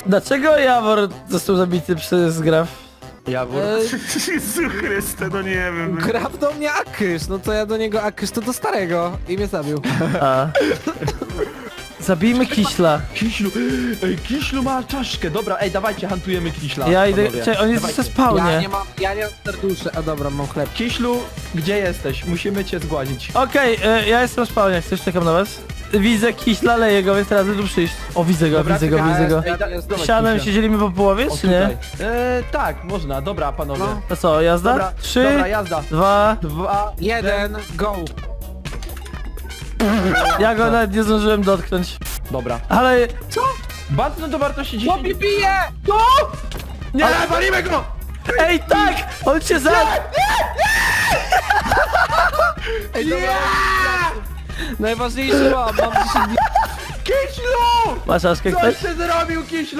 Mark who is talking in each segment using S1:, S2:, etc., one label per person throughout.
S1: Dlaczego Jawor został zabity przez Graf?
S2: Jawor.
S3: Jezu Chryste, no nie wiem.
S2: Graf do mnie Akysz, no to ja do niego Akysz, to do starego i mnie zabił.
S1: A. Zabijmy Kiśla.
S3: Kiślu, ej, Kiślu ma czaszkę. Dobra, ej, dawajcie, hantujemy Kiśla.
S1: Ja idę,
S3: panowie.
S1: czekaj, on jest
S3: Dawajcie.
S1: ze spawnie.
S2: Ja nie mam serduszy, a dobra, mam chleb.
S3: Kiślu, gdzie jesteś? Musimy cię zgładzić.
S1: Okej, ja jestem w spawnie, chcesz, czekam na was. Widzę Kiśla, leję go, więc teraz tu przyjść. O, widzę go,
S3: Dobra,
S1: widzę go,
S3: czekaj,
S1: widzę go. Siadem się dzielimy po połowie,
S3: O,
S1: czy nie?
S3: tutaj. Tak, można, dobra, panowie.
S2: No.
S1: To co, jazda?
S3: Dobra,
S1: 3,
S3: dobra, jazda.
S1: 2,
S3: 2,
S2: 1, go!
S1: ja go nawet nie zdążyłem dotknąć.
S3: Dobra.
S1: Ale...
S3: Banknot do wartości 10.
S2: Chłopie bije!
S1: Nie!
S3: Ale walimy go!
S1: Ej, tak! On cię za...
S3: Ej, dobra.
S2: Najważniejsze mam 10 dni.
S3: Kiślu!
S1: Masz czaszkę ktoś?
S3: Coś ty zrobił, Kiślu!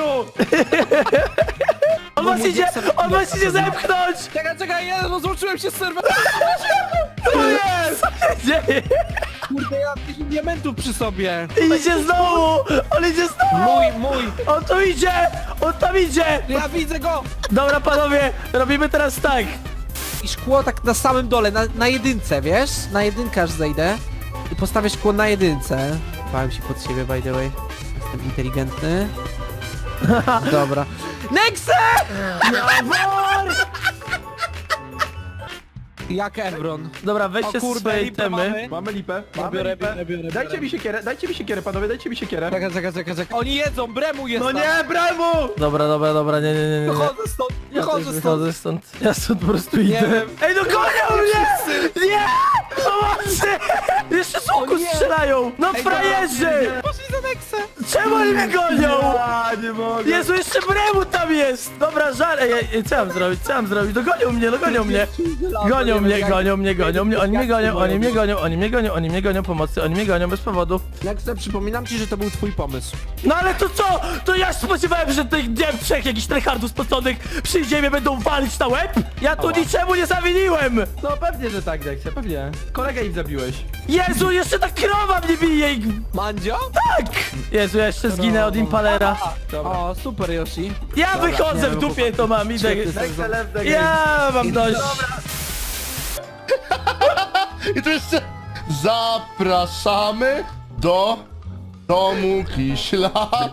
S1: On was idzie! On was idzie zepchnąć!
S2: Czekaj, ja rozłączyłem się z serwerem.
S3: Co jest?
S1: Dzieje?
S2: Kurde, ja mam 10 diamentów przy sobie.
S1: Idzie znowu! On idzie znowu!
S2: Mój!
S1: On tu idzie! On tam idzie!
S2: Ja widzę go!
S1: Dobra panowie, robimy teraz tak.
S2: I szkło tak na samym dole, na jedynce, wiesz? Na jedynkę aż zejdę. I postawię szkło na jedynce. Bałem się pod siebie, by the way. Jestem inteligentny. Dobra. Nexe! Jak Evron.
S1: Dobra, weźcie
S2: O kurde,
S1: swoje
S2: lipę
S1: itemy.
S2: mamy.
S3: Mamy lipę. Mamy
S2: Biorę,
S3: lipę.
S2: biorę.
S3: Dajcie mi siekierę, panowie, dajcie mi siekierę.
S2: Czekaj. Oni jedzą, bremu jest
S3: No
S2: tam.
S3: nie, brawo!
S1: Dobra, nie.
S2: Wychodzę stąd,
S1: Ja też
S2: wychodzę stąd.
S1: wychodzę stąd. Ja stąd po prostu idę.
S2: wiem.
S1: Ej, no gonią mnie! Nie! Pomocy! Jeszcze z łuku
S2: O nie!
S1: strzelają! No
S2: Ej,
S1: frajerzy!
S2: Poszli za Nexę.
S1: Czemu oni mnie gonią?
S3: Ja nie mogę.
S1: Jezu, jeszcze bremu tam jest! Dobra, żal. Ej, co mam zrobić? No gonią mnie. Gonią mnie, oni mnie gonią, pomocy, oni mnie gonią bez powodu.
S2: Nexe, przypominam ci, że to był twój pomysł.
S1: No ale to co? To ja się spodziewałem, że tych, nie wiem, trzech jakichś tryhardów spoconych przyjdzie i mnie będą walić na łeb? Ja tu niczemu nie zawiniłem!
S3: No pewnie, że tak, Dexia, pewnie. Kolegę im zabiłeś.
S1: Jezu, jeszcze ta krowa mnie bije i...
S2: Mandzio?
S1: Tak! Jezu, ja jeszcze zginę od impalera.
S3: Dobra.
S2: O, super Yoshi.
S1: Ja wychodzę w dupie, to mam, idę.
S3: Dexia left the game.
S1: Ja mam dość.
S4: I tu jeszcze zapraszamy do domu Kiśla.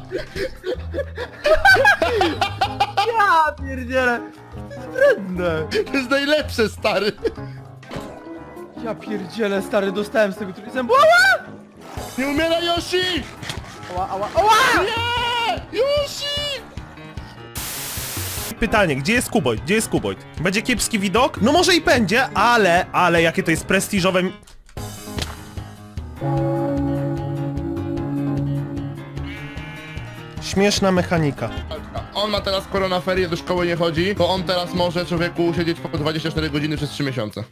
S3: Ja pierdzielę. Wredne.
S4: To jest najlepsze, stary.
S3: Ja pierdzielę, stary, dostałem z tego trójcem.
S4: Nie umiera Yoshi!
S3: Ała!
S4: Nie! Yoshi!
S5: Pytanie, gdzie jest Kuboid? Gdzie jest Kuboid? Będzie kiepski widok? No może i będzie, ale jakie to jest prestiżowe... Śmieszna mechanika.
S4: On ma teraz koronaferie, do szkoły nie chodzi, to on teraz może, człowieku, siedzieć po 24 godziny przez 3 miesiące.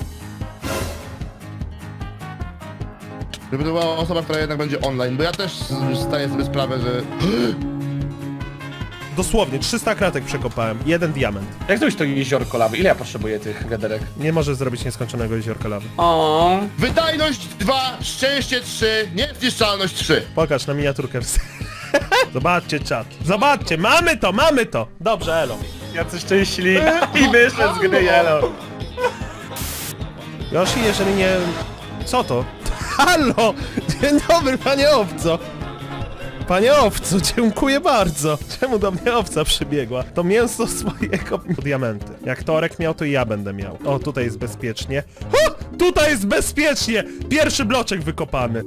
S4: Żeby to była osoba, która jednak będzie online, bo ja też zdaję sobie sprawę, że...
S5: Dosłownie, 300 kratek przekopałem, 1 diament.
S6: Jak zrobić to jeziorko lawy? Ile ja potrzebuję tych wiaderek?
S5: Nie możesz zrobić nieskończonego jeziorka lawy.
S6: O.
S4: Wydajność 2, szczęście 3, niezniszczalność 3.
S5: Pokaż na miniaturkę. Zobaczcie czat. Zobaczcie, mamy to! Dobrze, elo.
S6: Jacy szczęśliwi i wyszedł z gry Yellow.
S5: Yoshi, jeżeli nie... Co to? Halo! Dzień dobry, panie owco! Panie owco, dziękuję bardzo! Czemu do mnie owca przybiegła? To mięso swojego... Diamenty. Jak Torek miał, to i ja będę miał. O, tutaj jest bezpiecznie. O! Tutaj jest bezpiecznie! Pierwszy bloczek wykopany.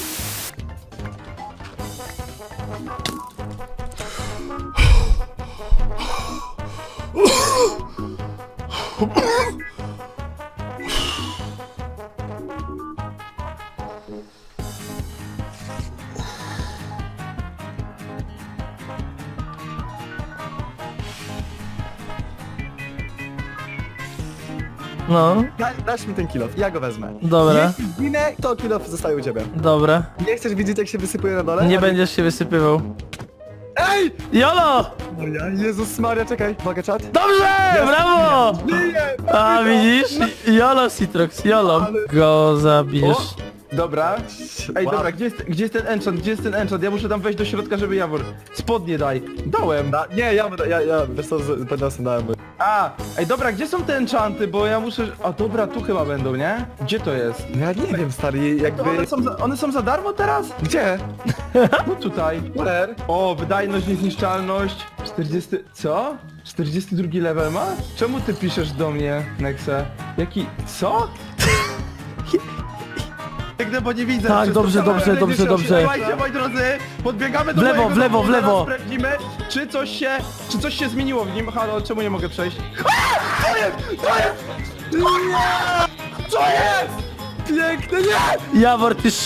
S1: No,
S7: Dasz mi ten kilof, ja go wezmę.
S1: dobra,
S7: Jeśli zginę, to kilof zostaje u ciebie.
S1: dobra.
S7: Nie chcesz widzieć, jak się wysypuje na dole?
S1: Nie będziesz się wysypywał.
S7: Ej!
S1: Jolo!
S7: Maria, Jezus Maria, czekaj. Uwaga, czat.
S1: Dobrze! Brawo!
S7: Nie!
S1: A widzisz? Jolo Citrox, Jolo. Go zabierz.
S3: Dobra. Ej,
S7: Wow.
S3: dobra, gdzie jest ten enchant? Gdzie jest ten enchant? Ja muszę tam wejść do środka, żeby Jawor... Spodnie daj. Dałem.
S7: Nie, ja wiesz co, będę dałem.
S3: A, ej, dobra, gdzie są te enchanty? Bo ja muszę... A dobra, tu chyba będą, nie? Gdzie to jest?
S7: Ja nie wiem, stary,
S3: To
S7: jakby...
S3: one są za darmo teraz?
S7: Gdzie?
S3: No tutaj.
S7: Where?
S3: O, wydajność, niezniszczalność. 40... Co? 42 level ma? Czemu ty piszesz do mnie, Nexe? Jaki... Co? Biegnę, bo nie widzę.
S1: Tak,
S3: Przez
S1: dobrze,
S3: to całe
S1: dobrze,
S3: będzie
S1: dobrze,
S3: się
S1: dobrze.
S3: Słuchajcie, moi drodzy, podbiegamy do
S1: W lewo,
S3: mojego
S1: w lewo,
S3: domu,
S1: w lewo.
S3: zaraz sprawdzimy, czy coś się zmieniło w nim. Halo, czemu nie mogę przejść? A! To jest! To jest! Nie! Co jest? Piękne, nie!
S1: Jawor, ty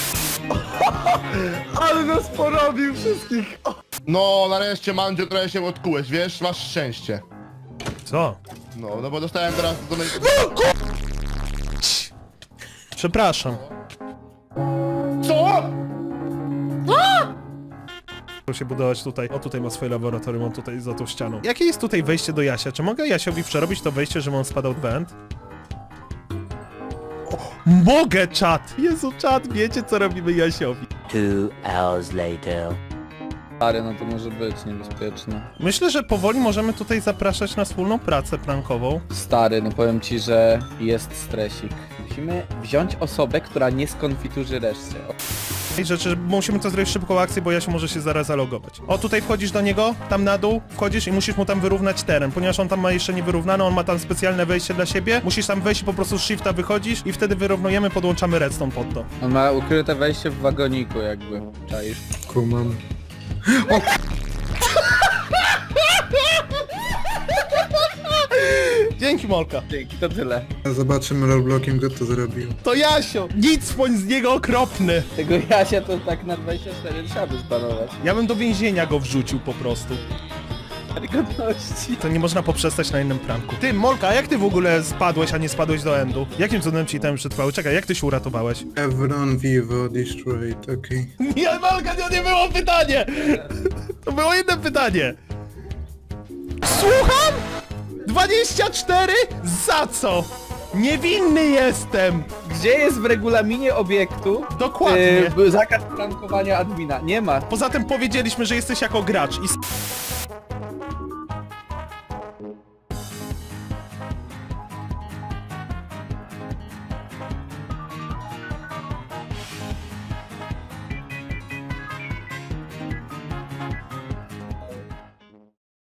S7: Ale nas porobił wszystkich!
S4: No, nareszcie, Mandzio, trochę się odkułeś, wiesz? Masz szczęście.
S5: Co?
S4: No bo dostałem teraz...
S5: Przepraszam.
S4: Co?
S5: Muszę się budować tutaj. O, tutaj ma swoje laboratorium, on tutaj za tą ścianą. Jakie jest tutaj wejście do Jasia? Czy mogę Jasiowi przerobić to wejście, żeby on spadał w węd? O, mogę, czat! Jezu, czat, wiecie co robimy Jasiowi.
S8: 2 hours later.
S6: Stary, no to może być niebezpieczne.
S5: Myślę, że powoli możemy tutaj zapraszać na wspólną pracę prankową.
S6: Stary, no powiem ci, że jest stresik. Musimy wziąć osobę, która nie skonfiturzy reszcie.
S5: I rzeczy, musimy to zrobić szybką akcję, bo Jasiu może się zaraz zalogować. O, tutaj wchodzisz do niego, tam na dół, wchodzisz i musisz mu tam wyrównać teren, ponieważ on tam ma jeszcze niewyrównane, on ma tam specjalne wejście dla siebie, musisz tam wejść i po prostu z shifta wychodzisz i wtedy wyrównujemy, podłączamy redstone pod to.
S6: On ma ukryte wejście w wagoniku jakby, czaisz?
S7: Kumam.
S5: Dzięki, Molka.
S6: Dzięki, to tyle.
S9: Zobaczymy rollblockiem, kto to zrobił.
S5: To Jasio! Nic bądź z niego okropny!
S6: Tego Jasia to tak na 24 trzeba by spanować.
S5: Ja bym do więzienia go wrzucił po prostu.
S6: Godności.
S5: To nie można poprzestać na innym pranku. Ty, Molka, a jak ty w ogóle spadłeś, a nie spadłeś do endu? Jakim cudem ci tam przetrwały? Czekaj, jak ty się uratowałeś?
S9: Evron Vivo Destroyed, okej.
S5: Nie, Molka, to nie było pytanie! To było inne pytanie! Słucham? 24? Za co? Niewinny jestem!
S6: Gdzie jest w regulaminie obiektu
S5: Dokładnie.
S6: zakaz prankowania admina? Nie ma.
S5: Poza tym powiedzieliśmy, że jesteś jako gracz i